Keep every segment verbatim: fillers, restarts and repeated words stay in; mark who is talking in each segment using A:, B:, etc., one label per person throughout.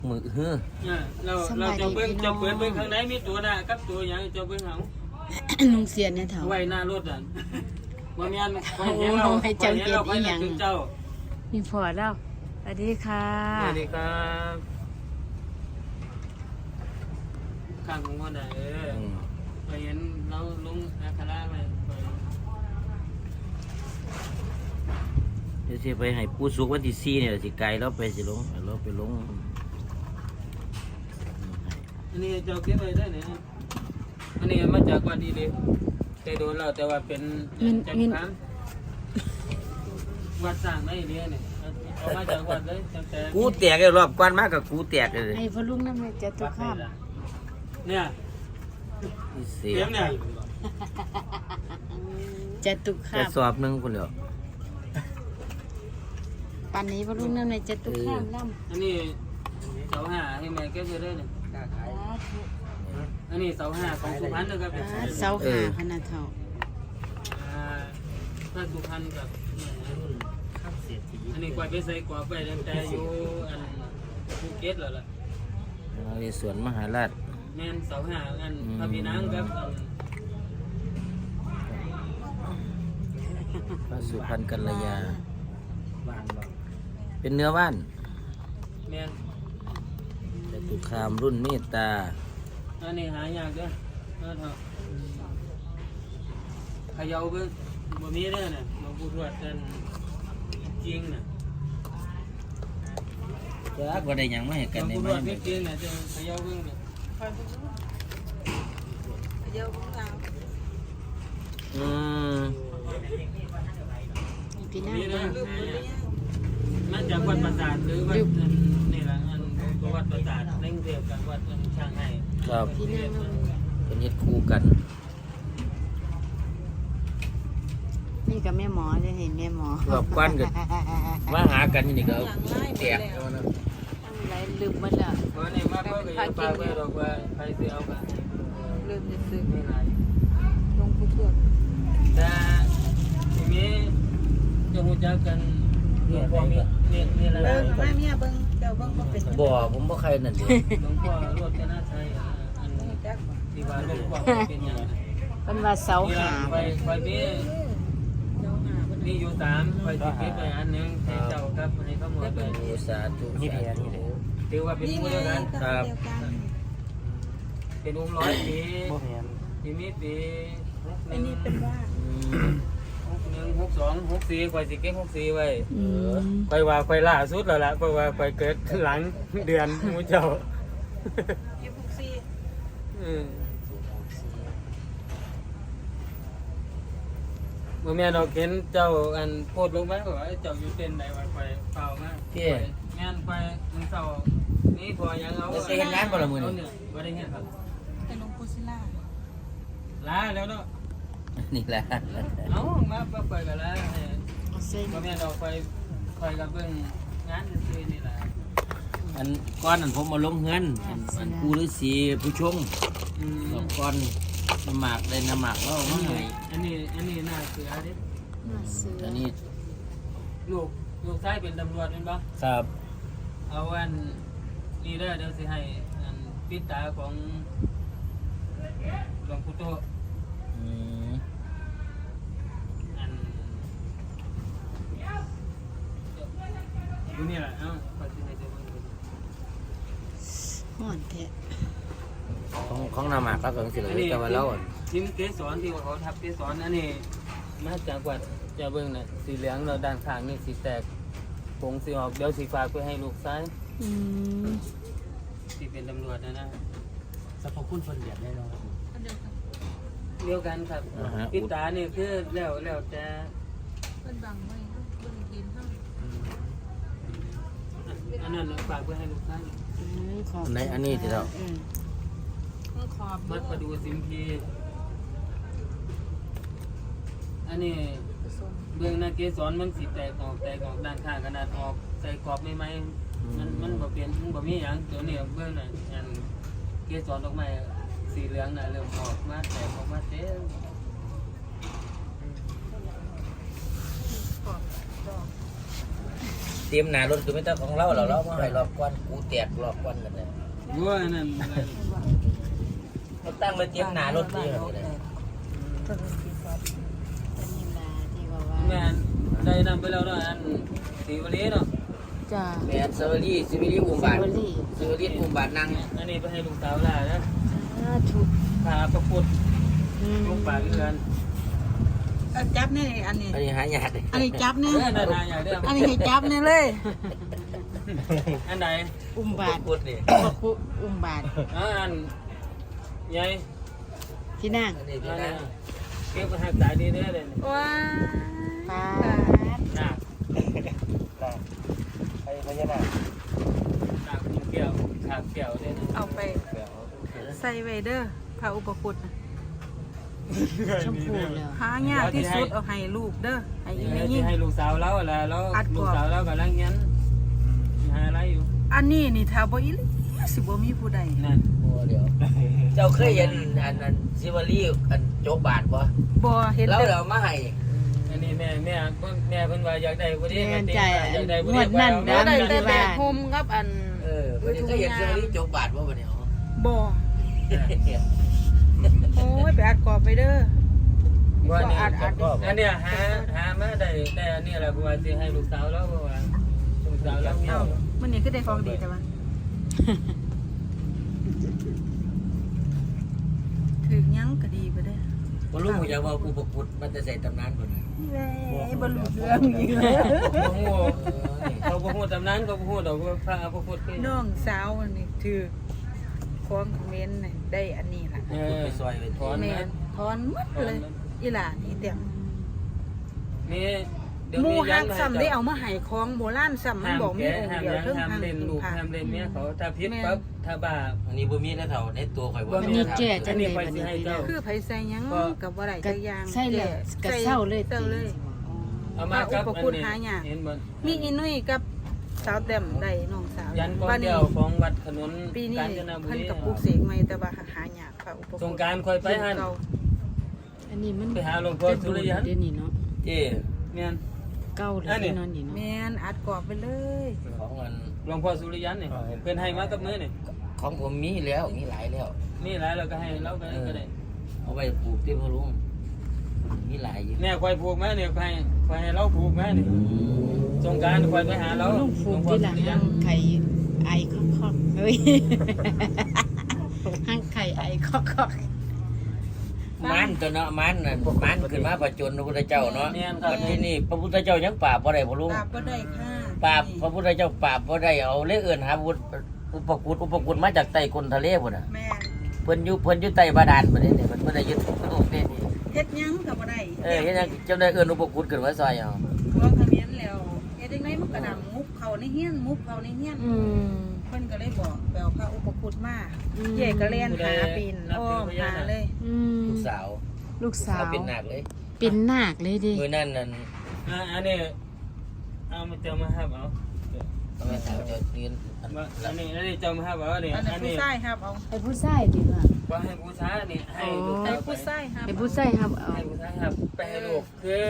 A: มือเฮ้อ
B: เราเราจะเบิ้งจะเปิดเบิ้งข้างในมีตัวน่ะกับตัวอย่างจะเบิ้งเอา
C: ลุงเสียเนี่ยเถา
B: ไว้หน้ารถอ่ะบ่แม่นคอยเห็นเราให้เจ้าเก็บอีหยัง
C: มีพอแล้วสวัสดีค่ะ
B: สวัสดีครับข้างของว่าได้เออไปเห็นเราลุงอาคาราไป
A: เดี๋ยวสิไปให้ปูสุกวันที่สี่เนี่ยสิไกลแล้วไปสิลงเราไปลง
B: อันนี้เจ้าเก็บไว้ได้เนี่ยอันนี้มาจากวัดดีเลยแต่โดนเราแต่ว่าเป็นจักรพรรดิวัดสร้างได้เนี่ยเนี่ยเอามาจากวัดเลย
A: กูแตกรอบกวนมากกับกูแตกเลย
C: ไอ้พลุงนั่นเลยจะตุกข้าม
B: เนี่ยเสียงเนี่ย
C: จะตุกข้าม
A: จะสอบหนึ่งคนเดียว
C: ปันนี้พลุงนั่นเลยจะตุกข้ามล่
B: ำอันนี้เสาห้าให้แม่เก็บไว้ได้เนี่ยอันนี้เสาห้าของสุพรรณนะครับ
C: เสาห้าขนาดเท่า
B: ถ้าสุพรรณกับอันนี้กว่าไปใส่กว่าไปแต่อยู่อันภูเก็ตแล้วล่ะ
A: ในสวนมหาราช
B: แม่นเสาห้าอันพระพี่นางครับ
A: พระสุพรรณกัลยาเป็นเนื้อว่าน
B: แม่น
A: แต่ตุคามรุ่นเมตตา
B: อันนี้หายากเด้อเออเถอะขยาวเบิ่งบ่มีเด้อน่ะหลวงปู่ทวดนั่นจริงน่ะ
A: จ้าบ่ได้หยังมาให้กันได้
B: มั้ยหลวงปู่ทวดจริงน่ะจะขยาวเบิ่งน่ะขยาวเบิ่งเอา
A: อืม
C: พี่น้า
B: มันจากวัดประสาทหรือวัดนี่ล่ะอันวัดประสาทในกรุงเทพกับวัดช่างให้
A: ครับเป็นเฮ็ดคู่กัน
C: นี่กับแม่หมอจะเห็นแม่หมอ
A: รอบกวนกันมาหากันนี่ก็แตก
C: เอานะอะไรลืมหมดแล้ว
B: เพราะนี่มาก็ก็ปากไว้ดอกว่าใครสิเอาไป
C: ลืมจะซื้อ
B: ไม่หลาย
C: หลวงปู่ทวด
B: แต่ทีนี้จะฮู้จักกันหลวงพ่อมีนี่นี่แหละ
C: เบิ่งมาเมียเบิ่งเจ้าเบิ่งบ่เป็น
A: บ่ผมบ่ใครนั่นเด้
B: หลวงพ่อรถจะน่าใช้อันที่ว่าหลวงพ่อเป็นหยัง
C: เพิ่นว่าเสาหา
B: ไปไปมีมีอยู่สามไปสิเก็บไปอันนึงให้เจ้าครับให้เขาหมดไป
A: สาธุนี่แหละนี่แหละ
B: ถือว่าเป็นผู้เดียวกัน
A: ครับ
B: เป็นองค์ร้อยปีที่มีปี
C: อันนี้เป็นว่า
B: หนึ่งหกสองหกสี่คอยสิเก็บหกสี่ไว้คอยว่าคอยล่าสุดแล้วล่ะคอยว่าคอยเกิดหลังเดือนมูเจ้า
C: เก็บหกสี่
B: เมื่อแม่เราเห็นเจ้าอันโพดลงมาว่าเจ้าอยู่เต้นไหนวันไปเปล่ามากงานไปมันเศร้านี่พอยังเอา
A: จะเห็นงานบ่ละมื้อ
B: นี้บ่ได้เห็นครับ
C: เป็นหลวงปู่ศิลา
B: ลาแล้วเนาะ
A: นี่แหละ
B: เอามาไปกันแล้วพ่อแม่เราไปคอยกับเบิ่งงานซื่อๆนี่แหละ
A: อันก้อนอันผมมาลงเงินอันปูฤาษีผู้ชงสองก้อนน้ำหมากได้น้ำหมากแล้วมาให้
B: อันนี้อันนี้น่าเสือเด้
A: อันนี้
B: ลูกลูกชายเป็นตำรวจเป็นปะ
A: ครับ
B: เอาอันนี่ได้เดี๋ยวสิให้อันปิดตาของหลวงปู่โตอันอยู่นี่แหละเอ้าขอสิให้เจ้าเบิ่ง
C: ฮ้อนแท้
A: ของของน้ำหมากแล้วก็สิเลยแต่ว่าแล้ว
B: จิ้มเกสรที่ว่าเขาทับเกสรอันนี้มาจากวัดจะเบิ่งน่ะสีเหลืองเราด้านข้างนี่สีแตกผงสีออกเดี๋ยวสีฟ้าไปให้ลูกซ้ายที่เป็นตำรวจนะนะ
D: สรรพคุณคนเดียดแน่นอน
B: เดียวกันครับปิดตาเนี่ยคือแล้วแล้วจะ
C: เป็นบังไว้เบิ่งเห็นเฮา
B: อันนั้นฝากไปให้ลูกซ้าย
A: อันไหนอันนี้ที่เรา
B: มัดประดูสิมพีอันนี้เบื้องหน้าเกสรมันสีแตกออกแตกออกด้านข้างขนาดออกใส่กรอบไม่ไหมมันมันบ่เปลี่ยนมันบ่มีอย่างตัวนี้เบื้องน่ะอันเกสรดอกไม้สีเหลืองน่ะเริ่มออกมาแตกออกมาเต็ม
A: เตรียมหน้ารถคือไม่ต้องของเราเราเรามาให้รอบก่อนกูแตกรอบก่อนกันเลย
B: ว่านั่น
A: เขาตั้งมาเตรียมหน้ารถดีเลย
C: ตัวนี้ที่ว่าที่ว่าว่า
B: แม่นได้นำไปแล้วเนาะอันสีวันนี้เนาะ
C: จ้า
A: แม่สวัสดีสวัสดีอุ้มบาท
C: สวัสดี
A: สวัสดีอุ้มบาทนั่ง
B: อันนี้ไปให้ลูกสาวล่ะนะ
C: สาธุ
B: พาประพุทธ
C: อืม
B: ลูกป่าเรือน
E: เอาจับนี่อันนี้
A: อันนี้หายากเลย
E: อันนี้จับนี่
B: เออนานาอย่างเดิม
E: อันนี้ให้จับนี่เลย
B: อันไหน
C: อุ้มบาท
A: พูดนี่
C: พระคุอุ้มบาท
B: อ่าอันใหญ่
C: ที่นั่ง
A: อันนี้
B: อั
A: พี่
B: น
A: นั่
B: นี้
A: ง
B: เก็บหักสายดีเด้อเลย
E: ว้า
C: ป้าด
B: หนัก
D: ไอ้พญานาค
B: หนักเกี่ยวขาดเกี่ยวเด้อ
E: เอาไปใส่ไว้เด้อพระอุปคุตน่ะ
C: ชมพูแล้ว
E: หายากที่สุดเอาให้ลูกเด้อให้อี
B: ให้
E: แม่ยิ่ง
B: ให้ลูกสาวแล้วล่ะแล้ว
E: อัดกรอบ
B: ลูกสาวแล้วกำลังยันหาอะไรอยู่
E: อันนี้นี่ถ้าบ่อีหลีสิบ่มีผู้ใด
B: นั่น
A: โอ้เดี๋ยวเจ้าเคยเห็นอันนั้นซิวารีอันโจกบาทปะ
E: บ่เห็น
A: แล้ว
E: แต่
A: เรามาให้
B: อันนี้แม่แม่แม่เพิ่นว่าอยากได้บ่ดี
C: แม่
B: แม่
C: ใจ
B: อยากได้บ่
C: งวดนั่น
E: บ่
C: นะ
E: ได้
C: มี
E: แต่
C: ที่
E: แบ
C: บ้าก น
E: โฮมกับอัน
A: เออเพิ่นเคยเห็นซิวารีโจกบาทปะบัดนี้อ๋อ
E: บ่โอ้ยไปอัดกรอบไปเด้อ
B: ว่านี่
E: อัดอัด
B: อันเนี้ยหาหามาได้ได้อันนี้แหละเพราะว่าสิให้ลูกสาวแล้วเพราะว่าลูกสาวแล้วเมีย
E: เอ้ามื้อนี้คือได้ของดีแต่ว่าถึงยังก็ดีบ่ได้
A: บ่รู้อยากว่าผู้ประกุดมันจะใส่ตำนานพุ่นน่ะ
E: แม่บ่รู้เรื่องอีกแล้ว
B: บ่ฮู้เขาบ่ฮู้ตำนานเขาบ่ฮู้ดอกว่าพระพระพุทธคือ
E: น้องสาวนี่ถือของคอมเมนต์น่ะได้อันนี้ล่ะ
B: เออ
A: ไปซอยไปถอน
E: แม่นถอนหมดเลยอีหล่านี่เต็ม
B: นี่เดี๋ยว
E: หมู
B: มี
E: ฮัก
B: มาให้
E: ซ้ำได้เอามาให้ของโบราณซ้ำมัน
B: ห้าม
E: บอกมี
B: แกะ
E: องค์
B: ห้าม
E: เดียว
B: ยัง
E: เทั้ง
B: ห้าม
E: ทาง
B: เล่นลูก
E: ผ่า
B: ห้ามเล่นเมียเขาถ้าผิดปั๊บถ้าบาป
A: อันนี้บ่มีแล้วเท่าในตัวข่อยบ่
B: บ่
C: อัน
B: มี
C: นี้แก่จั
B: อั
C: ง
B: นนี้
C: เลย
B: ค่อย
C: บัด
B: สิ
C: นี้
B: ให้
C: พี่น้
B: เจ้า
C: อง
E: คือไผใส่หยังกับบ่ได้
C: ก็
E: จักอย่าง
C: ใช่เลยก็
E: ใส่
C: เศร้าเลย
E: เศร้าเลย
B: เอามากับ
E: พระอุปคุฎหายาก
B: เห็นบ่
E: มีอีนุ่ยกับสาวแต้มได้น้องสาว
B: ยันก้อ
E: บั
B: น
E: ด
B: เดี
E: นี้
B: ยวของวัดขนุน
E: ปีนี้
B: กาญจนบุ
E: เพิ่น
B: รี
E: กับปลูกเสกใหม่แต่ว่าหายากพระอุปคุฎ
B: สงกรานต์ค่อยไปหั่น
E: เก่า
C: อันนี้มัน
B: ไปหาหลวงพ่อสุริยัน
C: เดี๋ยวนี้เนาะ
A: เจ้
B: แม่น
C: เก้าเลย
B: อันนี้
C: ที่นอนอยู่เนาะ
E: แม่นอัดกรอบไปเลย
A: ของอัน
B: หลวงพ่อสุริยันนี่เพิ่นให้มากับมือนี่
A: ของผมมีแล้วมีหลายแล้ว
B: นี่หลายเราก็ให้เราไปก็ได้
A: เอาไปปลูกที่พ่อลุงมีหลายอยู่
B: เนี่ยควายผูกแม่เนี่ยควายควายให้เราผูกแม่นี่สงกรารควายไปหาเรา
C: ลุงฟูก
B: หลวงพ่อ
C: ที่หลั
B: สุ
C: ง
B: ริยั
C: ห้าน งไข่ไอคอกคอกเฮ้ย ห้างไข่ไอคอกคอก
A: มันตัวเนาะมันน่ะมันขึ้นมาประจนพระพุทธเจ้าเนาะวันที่นี่พระพุทธเจ้ายังปราบบ่ได้พ่อลุง
E: ปราบบ่ได้ค่ะ
A: ปราบพระพุทธเจ้าปราบบ่ได้เอาเลยเอิ้นหาพุทธอุปกุฎอุปกุฎมาจากใต้ก้นทะเลพุ่นน่ะ
E: แม่น
A: เพิ่นอยู่เพิ่นอยู่ใต้บาดาลบัดนี้นี่เพิ่นบ่ได้ยึดโลกนี่
E: เฮ็ดหยังก็บ่ได้
A: เออเฮ็ดหยังจำได้เอิ้นอุปกุฎขึ้นมาซอยเอา
E: พวกเขมิ้นแล้วเฮ็ดจังไดมันก็ดังมุกเข้าในเฮียนมุกเข้าในเฮียน
C: อืม
E: เพิ่นก็เลยบอกไปเอาพระอุปคุฎมา
C: อืม
E: เย่ก็เล่นหาปีนอ้อมหาเลย
C: อืม
A: ลูกสาว
C: ลูกสาว
A: เป็นนาคเลย
C: เป็นนาคเลยดิ
A: มื้อนั้นนั่น
B: อ่าอันนี้เอามาเจ้ามาครับเอา
A: แม่สาวจะยืนอัน
B: ว่าอันนี้อันนี้เจ้ามาครับเอาเนี่ย
E: อันนั้น
B: อัน
E: ผู้
B: นี้
E: ชายครับเอา
C: ไอ้ผู้ชายดิค่ะ
B: ว่าให้บูชานี่ให้ลูก
E: ไอ้
B: สาวไป
E: ผู้ชายครับ
C: ไอ้ผู้ชายครับเอา
B: ให้บูชาครับไปให้ลูกคือ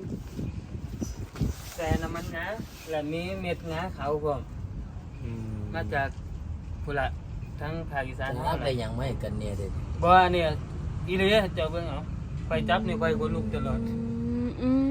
B: แต่น้ำมันงาและมีเม็ดงาขาวพร้อมมาจากพุละทั้งภาคอีสาน
A: จะ
B: ทั้ง
A: รับ
B: อะไร
A: ได้หยังไม่กันเนี่ยเด้
B: บ่เนี่ยอีเลยเจ้าเบิ่งเอาไปจับนี่ไปคนลุกตลอด
C: อืมอืม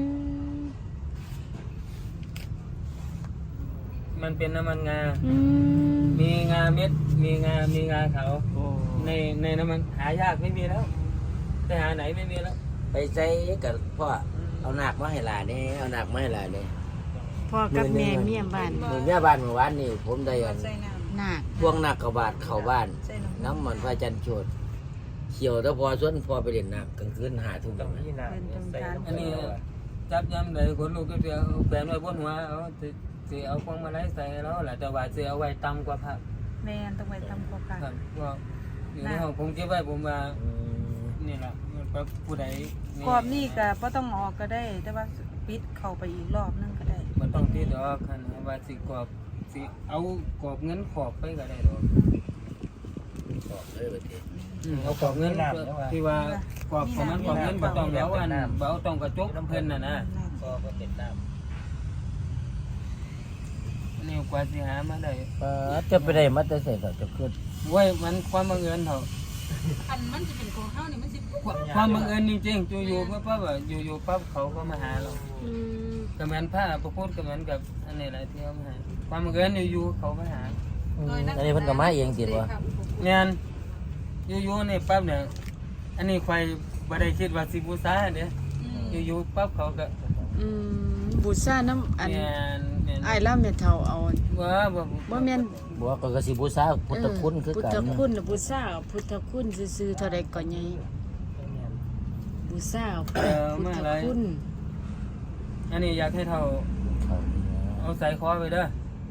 B: มันเป็นน้ำมันงา
C: อืม
B: มีงาเม็ด มีงา มีงาขาว
C: โอ้
B: ในในน้ำมันหายากไม่มีแล้วไปหาไหนไม่มีแล้ว
A: ไปใส่กับพ่อเอาหนักมาให้หลานนี่เอาหนักมาให้หลานนี่
C: พ่อกับแม่เมียบ้าน
A: มื้อเมียบ้านเมื่อวานนี่ผมได้อัน
E: ใส่น้
C: นาค
A: พวงหนักกระบาดเข้าบ้าน
E: ำใส่น้ำ
A: น้ำมันพระจันทร์โชดเขียวแต่พอส่วนพอไปเล่นน้ำกลางคืนหาทุ่มแล้วนะ
B: อันนี้จับยำเลยคนลูกก็จะเอาแขวนไว้บนหัวเอาสิสิเอาพวงมาลัยใส่ให้เราแหละแต่ว่าสิเอาไว้ต่ำกว่าพระ
E: แม่นต้องไปทำโครงการ
B: ครับก็อยู่ในห้องผมเก็บไว้ผมว่า
A: อืม
B: นี่แหละมันก็ผู้ใด
E: กรอบนี่ก็บ่ต้องออกก็ได้ แต่ว่าปิดเข้าไปอีกรอบนึงก็ได้
B: มันต้องที่ดอกคันว่าสิกรอบสิเอากรอบเงินขอบไปก็ได้ดอก
A: บอกเลยว่าที
B: อืมเอากรอบเงินที่ว่ากรอบของมันกรอบเงินบ่ต้องแล้วอันบ่ต้องกระจกน้ำเพิ่นน่ะนะ
A: ก็ก็ติดน้
B: นี่กว่าสิหามาได้
A: เออจะไปได้มาแต่ใส่ก็จะขึ้น
B: เว้ยมันความบังเอิญเถอะ
E: อันมันจะเป็นของเฮานี่มันสิปุ๊บ
B: ความบังเอิญจริงๆอยู่ๆปั๊บปั๊บอะอยู่ๆปั๊บเขาก็มาหาเรา
C: อืม
B: ก็เหมือนผ้าประพูดก็เหมือนกับอันนี้แหละที่เขามาหาความบังเอิญอยู่ๆเขามาหา
A: อืมอันนี้เพิ่นก็มาเองติดวะ
B: งานอยู่ๆนี่ปั๊บเนี่ยอันนี้ใครบ่ได้คิดว่าสิบูชาเด้อยู่ๆปั๊บเขาก็
C: อืมบูชาน้ำอัน
B: แม่นแม่น
C: อ้ายแล้วแม่เฒ่าเอา
B: ว่าบ่
C: บ่แม่น
A: บอกว่าก็สิบูชาพุทธคุณคือ
C: พุท
A: กัน
C: ธคุณน่ะบูชาเอาพุทธคุณซื่อๆเท่าใดก็ใหญ่บูชาเอาพุทธคุณ
B: อันนี้อยากให้เท่า
A: เขา
B: เอาใส่คอไปเด้อ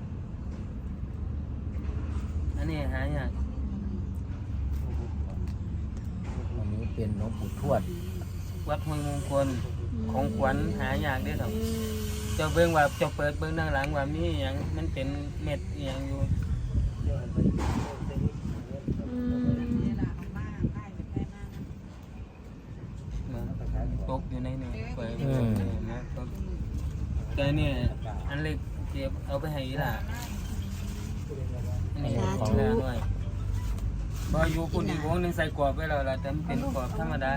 B: อันนี้หายาก
A: อันนี้เป็นหลวงปู่ทวด
B: วัดห้วยมงคลของขวัญหายากเด้อเท่า
C: อืม
B: เจ้าเบิ่งว่าเจ้าเปิดเบิ่งด้านหลังว่ามีอหยังมันเป็นเม็ดอหยังอยู่
C: อืม
B: เหมือนตกอยู่ในนี่เปิดนะตกแต่นี่อันเล็กเก็บเอาไปให้อีหล่ะอันนี้ของหน้าหน่อยบ่อยู่ปุ่นอีกวงหนึงใส่กรอบไว้แล้วล่ะแต่มันเป็นกรอบธรรมดา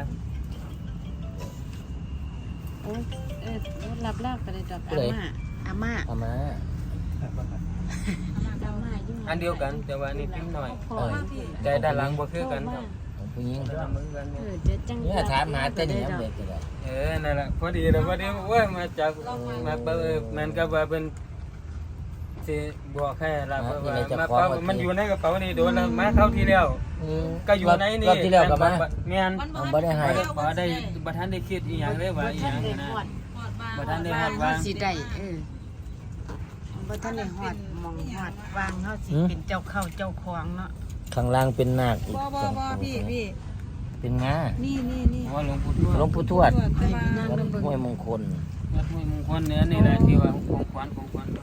C: โอ้เออรับลาบก็ได้ดอกอาม่าอาม่า
A: เอามา
C: อาม่าอยู่
B: อันเดียวกันแต่ว่านี่พิมพ์หน่อย
C: พ่อ
B: แต่ด้านหลังบ่คือกันครับ
A: ของผู้หญิง
B: ด้านหลังบ่คือกัน
C: เอ
B: เนี่ย
C: อเดี๋ยวจัง
A: เนี่ยถามหาแต่นี่เด็กก็ได้
B: เออนั่นแหละพอดีเลยพอดีโอ้ยมาจากมาเปิดมันก็ว่าเป็นสิบอกแค่ละว่ามาเป๋ามันอยู่ในกระเป๋านี่โดนแล้วมาเข้าที่แล้ว
A: อืม
B: ก็อยู่ในนี่
A: รอบที่แล้วก็มา
B: แม่น
A: เอาบ่ได้ให้
B: บ่ได้บ่ทันได้คิดอีหยังเลยว่าอีหยังนะ บ่ทันได้
C: วา
B: ฮอง ด
C: เฮา
B: ว่า
C: สิได้เออบ่ทันได้ฮอดหมองฮอดวางเฮาสิเป็นเจ้าเข้าเจ้าของเนาะ
A: ข้างล่างเป็นนาคอีก
E: บ่บ่บ่พี่พี่
A: เป็นงา
E: นี่นี่นี่
B: ว่าหลวงปู่ทวด
A: หลวงปู่ทวด
E: แต่ว่า
A: วัดห้วยมงคล
B: วัดห้วยมงคลเนี่ยนี่แหละที่ว่าของขวัญของขวัญ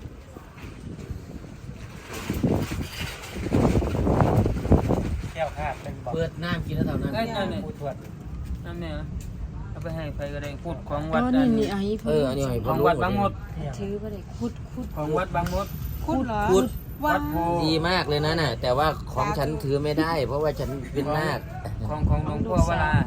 D: แก้วคาดเป็นบอก
A: เปิดน้ำกินแล้วเท่านั้น
B: เอ้ยนั่นนี่
D: ผู้ทวด
B: นั่นเนี่ยเอาไปให้ใครก็ได้พูดของ
C: อ๋
B: วัด
C: อ
B: อั
C: นี่
B: น
C: นี่อันนี้
A: เอออันนี้ให้
B: ข
A: เพิ่
B: อน ง
A: รู้
B: วัดบางมด
C: ถือบ่ได้คุดคุด
B: ของวัดบางมด
E: คุดเหรอ
A: พุทธ
B: วัดโพ
A: ดีมากเลยนะน่ะ แต่ว่าของฉันถือไม่ได้ เพราะว่าฉันเป็นนาค
B: ของของหลวงพ่อวรา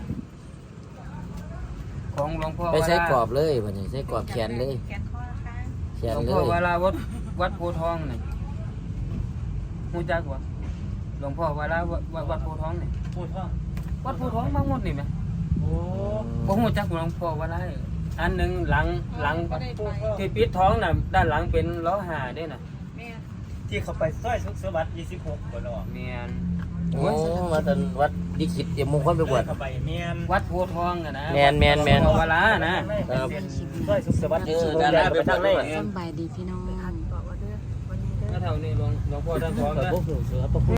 B: ของหลวงพ่อวรา
A: ไปใช้กรอบเลยวันนี้ใช้กรอบแขนเลย
E: แขนคอนะคะ
A: แข
B: ห
A: น
B: ลวง
A: เล
B: พ่อย วราวัดวัดโพธิ์ทองนี่ฮู้จักบ่หลวงพ่อวราวัดวัดวัดโพธิ์ทองนี่
D: ผู้ทวด
B: วัดโพธิ์ทองบางมดนี่แหม
D: โอ้
B: บ่ฮู้จักหลวงพ่อวราอันหนึงหลังหลัง
E: บ่ได้ไป
B: ที่ปิดท้องน่ะด้านหลังเป็นล้อหาเด้น่ะ
E: แม่
D: ที่เขาไปซอยสุขสวัสดิ์ยี่สิบหกบ่เนาะ
B: แม่น
A: โอ้มาตอนวัดดิขิตเดี๋ยวมงคลไปบวช
D: เข้าไปแม่น
B: วัดโพธิ์ทองอ่ะนะ
A: แม่นแม่นแม่น
B: หลวงพ่อวรานะ
A: ครับ
D: ซอยสุขสวัสดิ์
A: เออดาราไปทางไหน
C: สำบายดีพี่น้อง
E: บอกว่าเด้อวันนี้เด้อ
B: ก็เท่านี้หลวงหลวงพ่อท่านสอน
A: แต่
B: นะ
A: พวกเสือพวก